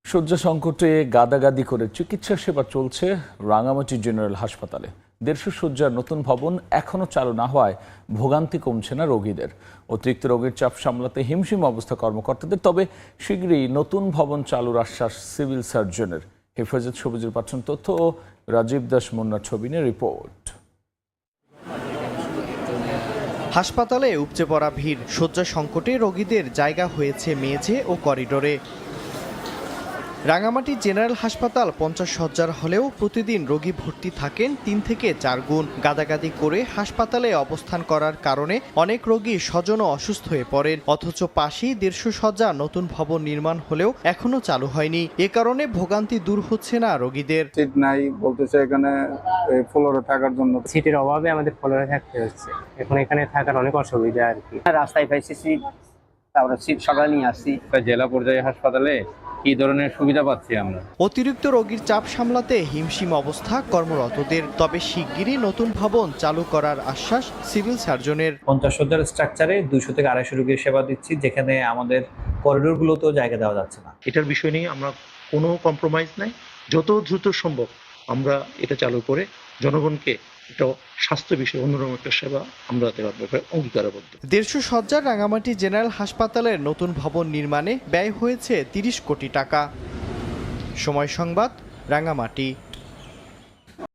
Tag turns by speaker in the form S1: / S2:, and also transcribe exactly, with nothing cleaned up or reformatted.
S1: শয্যা সংকটে গাদাগাদি করে চিকিৎসা সেবা চলছে রাঙামাটি জেনারেল হাসপাতালে। দেড়শো শয্যার নতুন ভবন এখনো চালু না হওয়ায় ভোগান্তি কমছে না রোগীদের। অতিরিক্ত রোগীর চাপ সামলাতে হিমশিম অবস্থা কর্মকর্তাদের। তবে শীঘ্রই নতুন ভবন চালুর আশ্বাস সিভিল সার্জনের। হেফাজত সবুজের পাঠানো তথ্য ও রাজীব দাস মুন্নার ছবি নিয়ে রিপোর্ট।
S2: হাসপাতালে উপচে পড়া ভিড়, শয্যা সংকটে রোগীদের জায়গা হয়েছে মেঝে ও করিডোরে। রাঙামাটি জেনারেল হাসপাতাল পঞ্চাশ শয্যার হলেও প্রতিদিন রোগী ভর্তি থাকেন তিন থেকে চার গুণ। গাদাগাদি করে হাসপাতালে অবস্থান করার কারণে অনেক রোগী স্বজনও অসুস্থ হয়ে পড়েন। অথচ পাশেই দেড়শো শয্যা নতুন ভবন নির্মাণ হলেও এখনো চালু হয়নি। এ কারণে ভোগান্তি দূর হচ্ছে না রোগীদের।
S3: সিট নাই বলতেছে, এখানে ফ্লোরে থাকার জন্য
S4: সিটের অভাবে আমাদের ফ্লোরে থাকতে হচ্ছে। এখন এখানে থাকার অনেক অসুবিধা আর কি।
S5: রাস্তায় পাইছি সিট, তারপরে সিট সকালে নিয়ে আসছি।
S6: জেলা পর্যায়ে হাসপাতালে কি ধরনের সুবিধা পাচ্ছি আমরা?
S2: অতিরিক্ত রোগীর চাপ সামলাতে হিমশিম অবস্থা কর্মরতদের। তবে শিগগিরই নতুন ভবন চালু করার আশ্বাস সিভিল সার্জনের।
S7: পঞ্চাশ শয্যার স্ট্রাকচারে দুইশো থেকে আড়াইশো রোগীর সেবা দিচ্ছি, যেখানে আমাদের করিডোরগুলোতেও জায়গা দেওয়া যাচ্ছে না।
S8: এটার বিষয় নিয়ে আমরা কোনো কম্প্রোমাইজ নাই। যত দ্রুত সম্ভব আমরা এটা চালু করে জনগণকে একটা স্বাস্থ্য বিষয়ে অন্যরকম একটা সেবা আমরা দেওয়ার ব্যাপারে অঙ্গীকারবদ্ধ।
S2: দেড়শো শয্যার রাঙামাটি জেনারেল হাসপাতালের নতুন ভবন নির্মাণে ব্যয় হয়েছে তিরিশ কোটি টাকা। সময় সংবাদ, রাঙামাটি।